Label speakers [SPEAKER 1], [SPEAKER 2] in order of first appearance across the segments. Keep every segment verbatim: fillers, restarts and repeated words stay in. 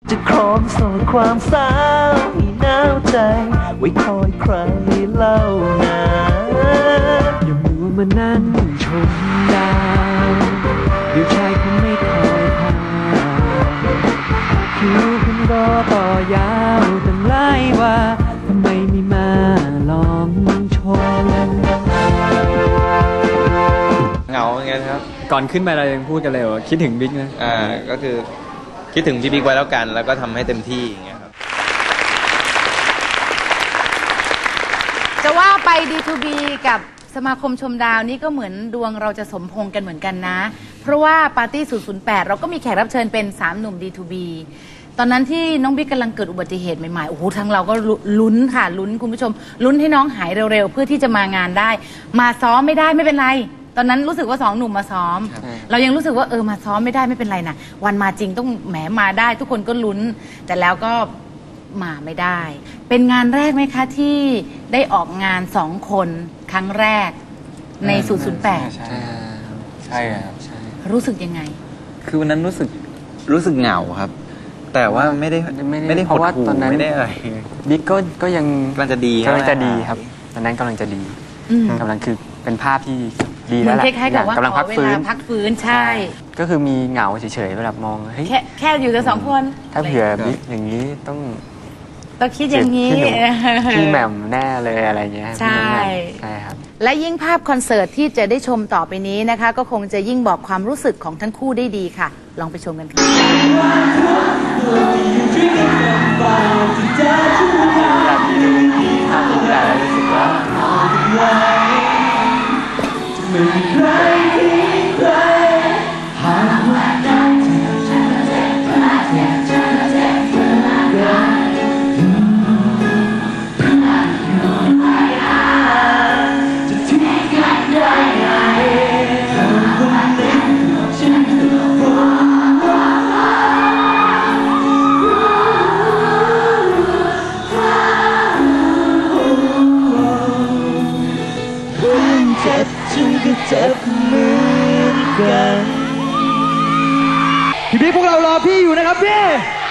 [SPEAKER 1] จะครองโซ่ความสาวให้หนาวใจไว้คอยใครเล่านะอย่ามัวมานั่งชมดาวเดี๋ยวชายคงไม่คอยพาคิวคุณรอต่อยาวตั้งหลายว่าทำไมไม่มาลองชม
[SPEAKER 2] เหงาอย่างเงี้ยครับ
[SPEAKER 3] ก่อนขึ้นไปเรายังพูดกันเลยว่าคิดถึงบิ๊กนะ
[SPEAKER 2] อ่าก็คือคิดถึงพี่บิ๊กไว้แล้วกันแล้วก็ทำให้เต็มที่อย่างเงี้ยครับ
[SPEAKER 4] จะว่าไป ดี ทู บี กับสมาคมชมดาวนี่ก็เหมือนดวงเราจะสมพงษ์กันเหมือนกันนะเพราะว่าปาร์ตี้ศูนย์ ศูนย์ แปดเราก็มีแขกรับเชิญเป็นสามหนุ่ม ดี ทู บี ตอนนั้นที่น้องบิ๊กกำลังเกิดอุบัติเหตุใหม่ๆโอ้โหทั้งเราก็ลุ้นค่ะลุ้นคุณผู้ชมลุ้นให้น้องหายเร็วๆเพื่อที่จะมางานได้มาซ้อมไม่ได้ไม่เป็นไรตอนนั้นรู้สึกว่าสองหนุ่มมาซ้อมเรายังรู้สึกว่าเออมาซ้อมไม่ได้ไม่เป็นไรนะวันมาจริงต้องแหมมาได้ทุกคนก็ลุ้นแต่แล้วก็มาไม่ได้เป็นงานแรกไหมคะที่ได้ออกงานสองคนครั้งแรกในศูนย์ ศูนย์ แปด
[SPEAKER 2] ใช่ใช่ครับ
[SPEAKER 4] รู้สึกยังไง
[SPEAKER 2] คือวันนั้นรู้สึกรู้สึกเหงาครับแต่ว่าไม่ได้ไม่ได้เพราะว่าตอนนั้นไม่ได้อะไร
[SPEAKER 3] บิ๊กก็ก็ยัง
[SPEAKER 2] กำลังจะดี
[SPEAKER 3] กำลังจะดีครับตอนนั้นกำลังจะดีกำลังคือเป็นภาพที่ดีแล้วแหละ
[SPEAKER 4] กำลังพักฟื้นพักฟื้นใช่
[SPEAKER 3] ก็คือมีเหงาเฉยๆเวลามองเฮ้ย
[SPEAKER 4] แค่แค่อยู่แต่สองคน
[SPEAKER 3] ถ้าเผื่อบิ๊กอย่างนี้ต้อง
[SPEAKER 4] ต้องคิดอย่างนี้
[SPEAKER 3] พี่แหม่มแน่เลยอะไรเงี้ย
[SPEAKER 4] ใช่
[SPEAKER 3] ใช่ครับ
[SPEAKER 4] และยิ่งภาพคอนเสิร์ตที่จะได้ชมต่อไปนี้นะคะก็คงจะยิ่งบอกความรู้สึกของทั้งคู่ได้ดีค่ะลองไปชมกันค่ะ
[SPEAKER 3] อยากดูภาพนี้แล้วรู้สึกว่าไม่มีใครที่ใครหากว่าได้เธอจะเจ็บจะเจ็บจะเจ็บเพื่อกันจะทิ้งกันได้ไงเธอคนนี้ฉันคือคนเจ็บฉันก็เจ็บเหมือนกันพี่พี่พวกเรารอพี่อยู่นะครับพี่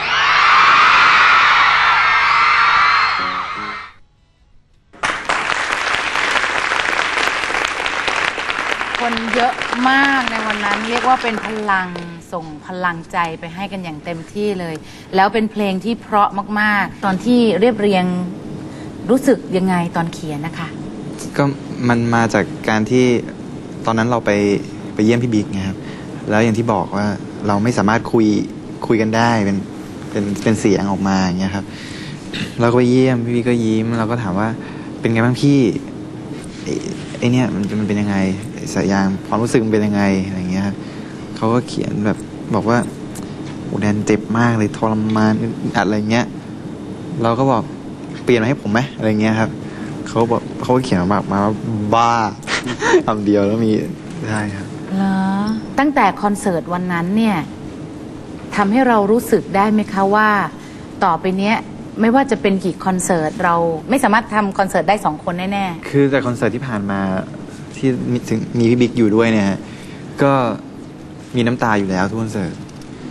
[SPEAKER 4] คนเยอะมากในวันนั้นเรียกว่าเป็นพลังส่งพลังใจไปให้กันอย่างเต็มที่เลยแล้วเป็นเพลงที่เพราะมากๆตอนที่เรียบเรียงรู้สึกยังไงตอนเขียนนะคะ
[SPEAKER 2] ก็มันมาจากการที่ตอนนั้นเราไปไปเยี่ยมพี่บิ๊กไงครับแล้วอย่างที่บอกว่าเราไม่สามารถคุยคุยกันได้เป็นเป็นเป็นเสียงออกมาอย่างเงี้ยครับเราก็ไปเยี่ยมพี่บิ๊กก็ยิ้มเราก็ถามว่าเป็นไงบ้างพี่ไอเนี้ยมันมันเป็นยังไงสายยางความรู้สึกมันเป็นยังไงอะไรเงี้ยครับเขาก็เขียนแบบบอกว่าโอ้แดนเจ็บมากเลยทรมานอัดอะไรเงี้ยเราก็บอกเปลี่ยนมาให้ผมไหมอะไรเงี้ยครับเขาบอกเขาเขียนมามาบ้าคำเดียวแล้วมีได้ครับ
[SPEAKER 4] เหรอตั้งแต่คอนเสิร์ตวันนั้นเนี่ยทำให้เรารู้สึกได้ไหมคะว่าต่อไปเนี้ยไม่ว่าจะเป็นกี่คอนเสิร์ตเราไม่สามารถทำคอนเสิร์ตได้สองคนแน่
[SPEAKER 2] ๆคือแต่คอนเสิร์ตที่ผ่านมาที่ถึงมีพี่บิ๊กอยู่ด้วยเนี่ยก็มีน้ำตาอยู่แล้วทุกคอนเสิร์ต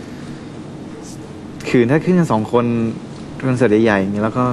[SPEAKER 2] คือถ้าขึ้นกันสองคนคอนเสิร์ตใหญ่ๆอย่างนี้แล้วก็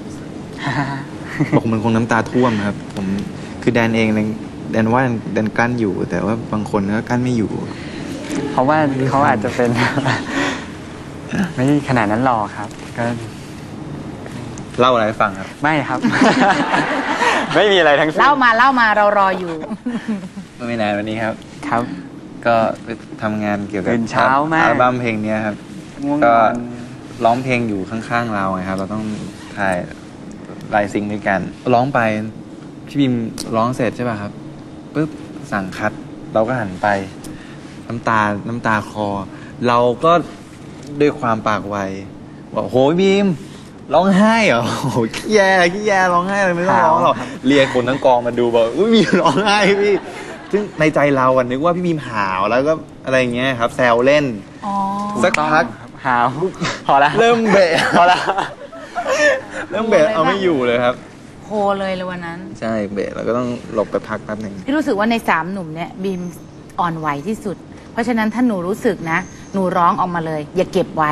[SPEAKER 2] บอกมันคงน้ำตาท่วมครับผมคือแดนเองแดนว่าแดนกั้นอยู่แต่ว่าบางคนก็กั้นไม่อยู่
[SPEAKER 3] เพราะว่าเขาอาจจะเป็นไม่ขนาดนั้นหรอกครับก็
[SPEAKER 2] เล่าอะไรให้ฟังครับ
[SPEAKER 3] ไม่ครับ ไม่มีอะไรทั้งสิ้น
[SPEAKER 4] เล่ามาเล่ามาเรารออยู่
[SPEAKER 2] ไม่นานวันนี้ครับ
[SPEAKER 3] ครับ
[SPEAKER 2] ก็ไปทำงานเกี่ยวกับ
[SPEAKER 3] เช้ามาก
[SPEAKER 2] อัลบั้มเพลงนี้ครับก็ร้องเพลงอยู่ข้างๆเราไงครับเราต้องถ่ายลายซิงด้วยกันร้องไปพี่บิมร้องเสร็จใช่ป่ะครับปุ๊บสั่งคัดเราก็หันไปน้ำตาน้ำตาคลอเราก็ด้วยความปากไวบอกโหบิมร้องไห้เหรอโหขี้แย่ขี้แย่ร้องไห้เลยไม่ต้องร้องหรอกเรียกคนทั้งกองมาดูบอกอุ้ยบิมร้องไห้พี่ซึ่งในใจเราอ่ะนึกว่าพี่บิมหาวแล้วก็อะไรเงี้ยครับแซวเล่นสักพัก
[SPEAKER 3] หาวพอละ
[SPEAKER 2] เริ่มเบะพอละเริ่มเบะเอาไม่อยู่เลยครับ
[SPEAKER 4] โคเลยเลยวันนั้น
[SPEAKER 2] ใช่เบะเราก็ต้องหลบไปพักแป๊บหนึ่ง
[SPEAKER 4] พี่รู้สึกว่าในสามหนุ่มเนี่ยบีมอ่อนไหวที่สุดเพราะฉะนั้นถ้าหนูรู้สึกนะหนูร้องออกมาเลยอย่าเก็บไว้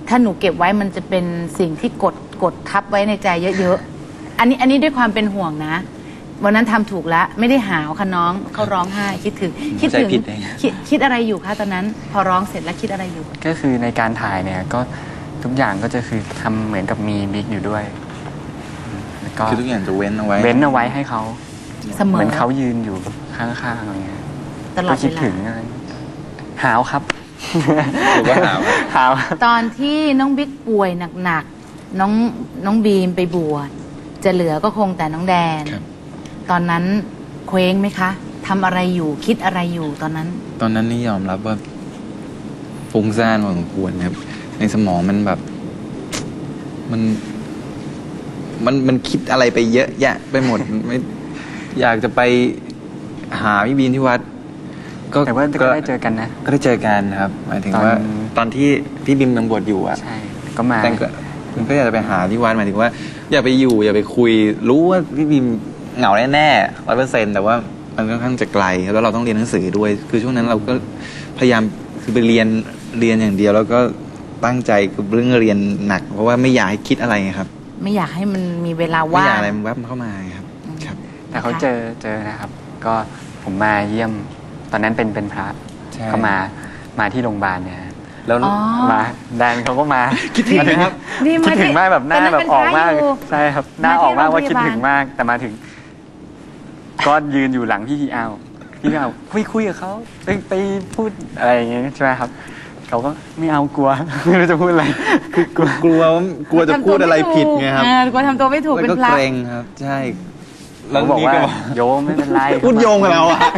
[SPEAKER 4] ถ้าหนูเก็บไว้มันจะเป็นสิ่งที่กดกดทับไว้ในใจเยอะๆอันนี้อันนี้ด้วยความเป็นห่วงนะวันนั้นทำถูกแล้วไม่ได้หาวค่ะน้องเขาร้องไห้คิดถึงคิดถึงคิดคิดอะไรอยู่คะตอนนั้นพอร้องเสร็จแล้วคิดอะไรอยู่
[SPEAKER 5] ก็คือในการถ่ายเนี่ยก็ทุกอย่างก็จะคือทำเหมือนกับมีบิ๊กอยู่ด้วยก็
[SPEAKER 2] คือทุกอย่างจะเว้นเอาไว้
[SPEAKER 5] เว้นเอาไว้ให้เขา
[SPEAKER 4] เสมอ
[SPEAKER 5] เหมือนเขายืนอยู่ข้างๆอะไรเงี้ย
[SPEAKER 4] ตลอดเวลา
[SPEAKER 5] คิดถึงอะไรหาวครับ
[SPEAKER 2] หรือว่าหาว
[SPEAKER 5] หาว
[SPEAKER 4] ตอนที่น้องบิ๊กป่วยหนักๆน้องน้องบีมไปบวชจะเหลือก็คงแต่น้องแดนตอนนั้นเคว้งไหมคะทำอะไรอยู่คิดอะไรอยู่ตอนนั้น
[SPEAKER 2] ตอนนั้นนี่ยอมรับว่าฟุ้งซ่านพอสมควรครับในสมองมันแบบมันมันมันคิดอะไรไปเยอะแยะไปหมดไม่อยากจะไปหาพี่บีนที่วัด
[SPEAKER 5] ก็แต่ว่าก็ได้เจอกันนะ
[SPEAKER 2] ก็ได้เจอกันครับหมายถึงว่าตอนที่พี่บิมยังบวชอยู่อ่ะ
[SPEAKER 5] ใช่ก็มา
[SPEAKER 2] แต่ก็ก็อยากจะไปหาที่วัดหมายถึงว่าอย่าไปอยู่อย่าไปคุยรู้ว่าพี่บิมเหงาแน่ๆร้อยเปอร์เซ็นต์แต่ว่ามันค่อนข้างจะไกลแล้วเราต้องเรียนหนังสือด้วยคือช่วงนั้นเราก็พยายามคือไปเรียนเรียนอย่างเดียวแล้วก็ตั้งใจกับเรื่องเรียนหนักเพราะว่าไม่อยากให้คิดอะไรครับ
[SPEAKER 4] ไม่อยากให้มันมีเวลาว่าง
[SPEAKER 2] ไม่อยากอะไรมันแวบเข้ามาครับครับ
[SPEAKER 5] แต่เขาเจอเจอนะครับก็ผมมาเยี่ยมตอนนั้นเป็นเป็นพระเขามามาที่โรงพยาบาลเนี่ยแล้วมาแดนเขาก็มา
[SPEAKER 2] คิดถึงนะครับ
[SPEAKER 5] คิดถึงมากแบบหน้าแบบออกมากใช่ครับหน้าออกมากว่าคิดถึงมากแต่มาถึงก็ยืนอยู่หลังพี่พีเอาพี่พีเอาคุยคุยกับเขาไปไปพูดอะไรอย่างเงี้ยใช่ไหมครับเขาก็ไม่เอากลัวไม่รู้จะพูดอะไร
[SPEAKER 2] คือกลัวกลัวกลัวจะพูดอะไรผิดไงครับ
[SPEAKER 4] กลัวทำตัวไม่ถูกเป็นพระ
[SPEAKER 2] เกรงครับใช่
[SPEAKER 5] แล้วบอกว่าโยมไม่เป็นไร
[SPEAKER 2] พูดโยงกับเราอ่ะ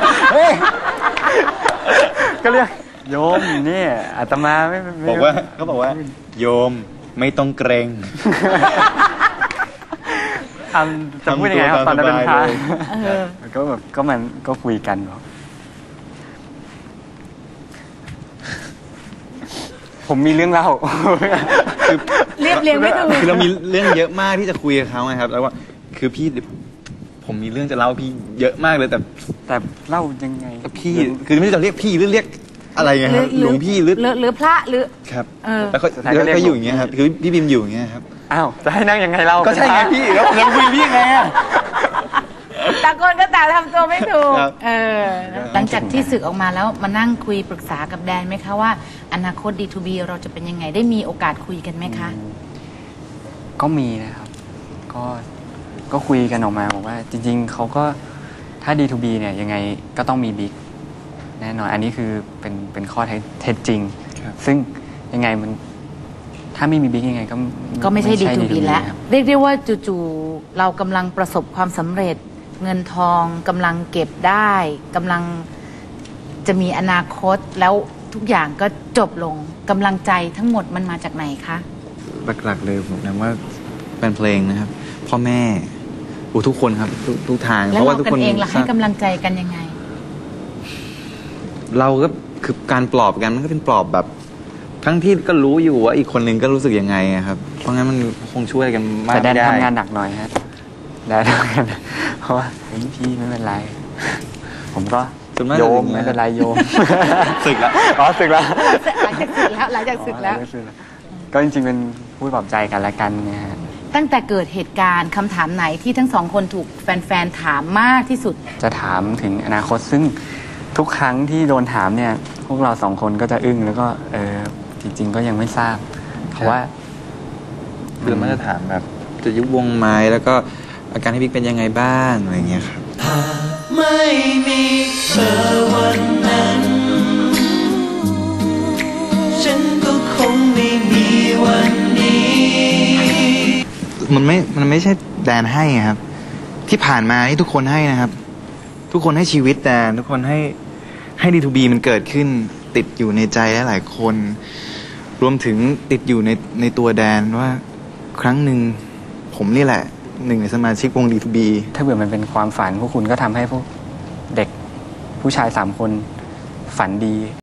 [SPEAKER 5] ก็เรียกโยมนี่อาตมาไม่
[SPEAKER 2] บอกว่าเขาบอกว่าโยมไม่ต้องเกรง
[SPEAKER 5] ทำจะพูดยังไงครับตอนนั้นเป็นพระก็แบบก็มันก็คุยกันบอกผมมีเรื่องเล่า
[SPEAKER 4] เรียบเรียงไม่ถูก
[SPEAKER 2] คือเรามีเรื่องเยอะมากที่จะคุยกับเขาไงครับแล้วว่าคือพี่ผมมีเรื่องจะเล่าพี่เยอะมากเลยแต่
[SPEAKER 5] แต่เล่ายังไง
[SPEAKER 2] พี่คือไม่รู้จะเรียกพี่หรือเรียกอะไรไงครับหลวงพี่หรือ
[SPEAKER 4] หรือพระหรือ
[SPEAKER 2] ครับแล้วเขาเขาอยู่อย่างเงี้ยครับคือพี่บิมอยู่อย่างเงี้ยครับ
[SPEAKER 5] อ้าวจะให้นั่งยังไงเรา
[SPEAKER 2] ก็ใช่ไงพี่แล้วผมจะคุยพี่ไงอ่ะ
[SPEAKER 4] ต่างคนก็ต่างทำตัวไม่ถูกเออหลังจากที่สึกออกมาแล้วมานั่งคุยปรึกษากับแดนไหมคะว่าอนาคต ดี ทู บี เราจะเป็นยังไงได้มีโอกาสคุยกันไหมคะ
[SPEAKER 5] ก็มีนะครับก็ก็คุยกันออกมาบอกว่าจริงๆเขาก็ถ้า ดี ทู บี เนี่ยยังไงก็ต้องมีบิ๊กแน่นอนอันนี้คือเป็นเป็นข้อเท็จจริงซึ่งยังไงมันถ้าไม่มีบิ๊กยังไงก็
[SPEAKER 4] ก็ไม่ใช่ ดี ทู บี แล้วเรียกได้ว่าจู่ๆเรากำลังประสบความสำเร็จเงินทองกำลังเก็บได้กำลังจะมีอนาคตแล้วทุกอย่างก็จบลงกำลังใจทั้งหมดมันมาจากไหนคะ
[SPEAKER 2] หลักๆเลยผมนะว่าเป็นเพลงนะครับพ่อแม่ทุกคนครับทุกทาง
[SPEAKER 4] เพราะว่าทุกคนเองล่ะให้กำลังใจกันยังไง
[SPEAKER 2] เราก็คือการปลอบกันมันก็เป็นปลอบแบบทั้งที่ก็รู้อยู่ว่าอีกคนนึงก็รู้สึกยังไงครับเพราะงั้นมันคงช่วยกันมาก
[SPEAKER 5] ไม่ได้ทำงานหนักหน่อยฮะได้ทำงานเพราะว่าพี่ไม่เป็นไรผมก็โยมไม่เป็นไรโยม
[SPEAKER 2] สึกแล้ว
[SPEAKER 5] อ๋อสึกแล้ว
[SPEAKER 4] หลังจากสึกแล้วหลังจากสึกแล้ว
[SPEAKER 5] ก็จริงๆเป็นพูดปลอบใจกันละกันเนี่ยฮะ
[SPEAKER 4] ตั้งแต่เกิดเหตุการณ์คำถามไหนที่ทั้งสองคนถูกแฟนๆถามมากที่สุด
[SPEAKER 5] จะถามถึงอนาคตซึ่งทุกครั้งที่โดนถามเนี่ยพวกเราสองคนก็จะอึ้งแล้วก็เออจริงๆก็ยังไม่ทราบเพราะว่า
[SPEAKER 2] คือมันจะถามแบบจะยุบวงไหมแล้วก็อาการให้บิ๊กเป็นยังไงบ้างอะไรเงี้ยครับ
[SPEAKER 3] ถ้าไม่มีเธอวันนั้นฉันก็คงไม่มีวันนี้
[SPEAKER 2] มันไม่มันไม่ใช่แดนให้ครับที่ผ่านมานี่ทุกคนให้นะครับทุกคนให้ชีวิตแดนทุกคนให้ให้ ดี ทู บี มันเกิดขึ้นติดอยู่ในใจหลายๆคนรวมถึงติดอยู่ในในตัวแดนว่าครั้งหนึ่งผมนี่แหละหนึ่งในสมาชิกวง ดี ทู บี
[SPEAKER 5] ถ้าเบื่อมันเป็นความฝันพวกคุณก็ทำให้พวกเด็กผู้ชายสามคนฝันดี